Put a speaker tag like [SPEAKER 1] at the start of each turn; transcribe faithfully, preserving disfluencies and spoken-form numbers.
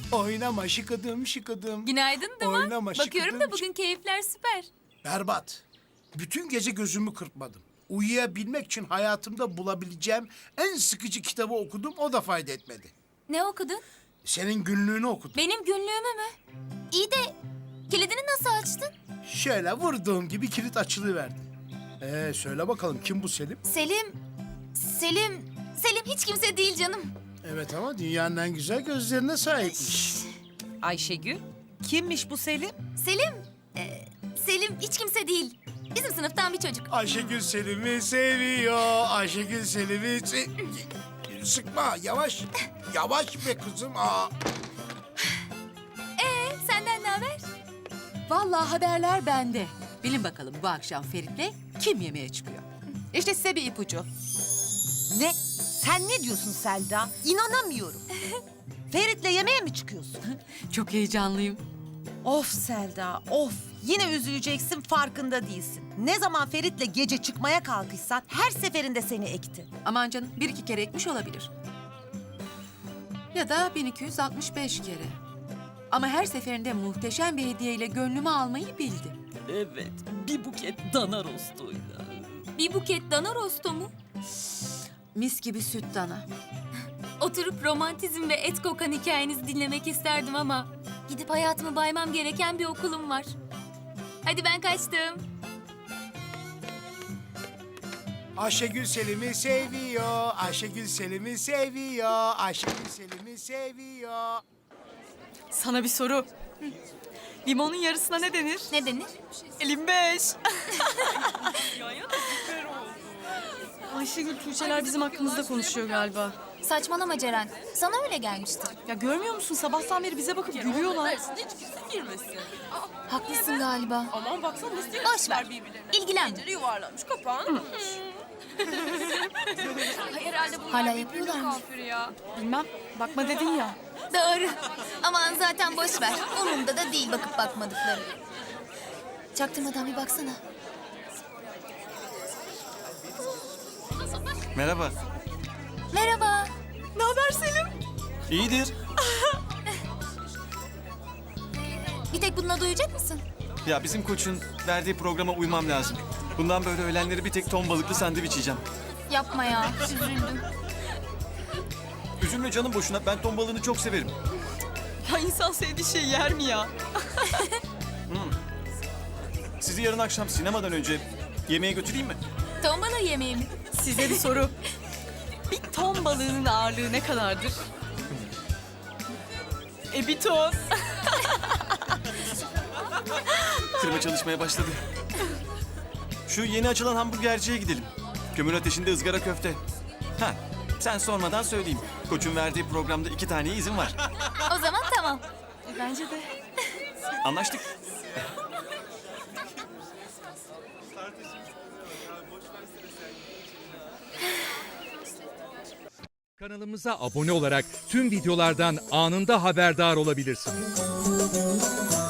[SPEAKER 1] Oynama şıkıdım şıkıdım.
[SPEAKER 2] Günaydın Duman.
[SPEAKER 1] Oynama
[SPEAKER 2] Bakıyorum
[SPEAKER 1] şıkıdım
[SPEAKER 2] da bugün keyifler süper.
[SPEAKER 1] Berbat. Bütün gece gözümü kırpmadım. Uyuyabilmek için hayatımda bulabileceğim en sıkıcı kitabı okudum, o da fayda etmedi.
[SPEAKER 2] Ne okudun?
[SPEAKER 1] Senin günlüğünü okudum.
[SPEAKER 2] Benim günlüğümü mü? İyi de kilidini nasıl açtın?
[SPEAKER 1] Şöyle vurduğum gibi kilit açılıverdi. Ee, söyle bakalım kim bu Selim?
[SPEAKER 2] Selim, Selim, Selim hiç kimse değil canım.
[SPEAKER 1] Evet ama dünyanın en güzel gözlerine sahipmiş.
[SPEAKER 3] Ayşegül, kimmiş bu Selim?
[SPEAKER 2] Selim, e, Selim hiç kimse değil. Bizim sınıftan bir çocuk.
[SPEAKER 1] Ayşegül Selim'i seviyor. Ayşegül Selim'i se... Sıkma, yavaş. Yavaş be kızım. Aa.
[SPEAKER 2] Ee, senden ne haber?
[SPEAKER 4] Vallahi haberler bende. Bilin bakalım bu akşam Ferit'le kim yemeğe çıkıyor? İşte size bir ipucu.
[SPEAKER 3] Ne? Sen ne diyorsun Selda? İnanamıyorum. Ferit'le yemeğe mi çıkıyorsun?
[SPEAKER 4] Çok heyecanlıyım.
[SPEAKER 3] Of Selda, of. Yine üzüleceksin, farkında değilsin. Ne zaman Ferit'le gece çıkmaya kalkışsan her seferinde seni ekti.
[SPEAKER 4] Aman canım bir iki kere ekmiş olabilir. Ya da bin iki yüz altmış beş kere. Ama her seferinde muhteşem bir hediyeyle gönlümü almayı bildi.
[SPEAKER 5] Evet, bir buket dana rostuyla.
[SPEAKER 2] Bir buket dana rosto mu?
[SPEAKER 4] Mis gibi süt dana.
[SPEAKER 2] Oturup romantizm ve et kokan hikayenizi dinlemek isterdim ama... ...gidip hayatımı baymam gereken bir okulum var. Hadi ben kaçtım.
[SPEAKER 1] Ayşegül Selim'i seviyor. Ayşegül Selim'i seviyor. Ayşegül Selim'i seviyor.
[SPEAKER 5] Sana bir soru. Limonun yarısına ne denir?
[SPEAKER 2] Ne denir?
[SPEAKER 5] Elim beş. Ayşegül, Tuğçeler bizim hakkımızda konuşuyor galiba.
[SPEAKER 2] Saçmalama Ceren. Sana öyle gelmiştir.
[SPEAKER 5] Ya görmüyor musun? Sabahtan beri bize bakıp gülüyorlar.
[SPEAKER 2] Haklısın galiba.
[SPEAKER 6] Aman baksana nasıl
[SPEAKER 2] Boş ver. İlgilenme.
[SPEAKER 6] Pencere yuvarlanmış, kapağını Herhalde bunlar
[SPEAKER 2] Hala
[SPEAKER 6] birbirinin
[SPEAKER 2] yapıyorlar mı?
[SPEAKER 6] kafiri ya.
[SPEAKER 5] Bilmem. Bakma dedin ya.
[SPEAKER 2] Doğru. Aman zaten boş ver. Umurumda da değil bakıp bakmadıkları. Çaktırmadan bir baksana.
[SPEAKER 7] Merhaba.
[SPEAKER 2] Merhaba.
[SPEAKER 5] Ne haber Selim?
[SPEAKER 7] İyidir.
[SPEAKER 2] Bir tek bununla duyacak mısın?
[SPEAKER 7] Ya bizim koçun verdiği programa uymam lazım. Bundan böyle öğlenleri bir tek ton balıklı sandviç yiyeceğim.
[SPEAKER 2] Yapma ya. Üzüldüm.
[SPEAKER 7] Üzülme canım boşuna. Ben ton balığını çok severim.
[SPEAKER 5] Ya insan sevdiği şey yer mi ya?
[SPEAKER 7] Sizi yarın akşam sinemadan önce yemeğe götüreyim mi?
[SPEAKER 2] Ton balığı yemeği mi?
[SPEAKER 5] Size bir soru. Bir ton balığının ağırlığı ne kadardır? E bir ton.
[SPEAKER 7] Kırma çalışmaya başladı. Şu yeni açılan hamburgerciye gidelim. Kömür ateşinde ızgara köfte. Ha, sen sormadan söyleyeyim. Koçun verdiği programda iki tane izin var.
[SPEAKER 2] O zaman tamam.
[SPEAKER 5] Bence de.
[SPEAKER 7] Anlaştık.
[SPEAKER 8] Kanalımıza abone olarak tüm videolardan anında haberdar olabilirsiniz.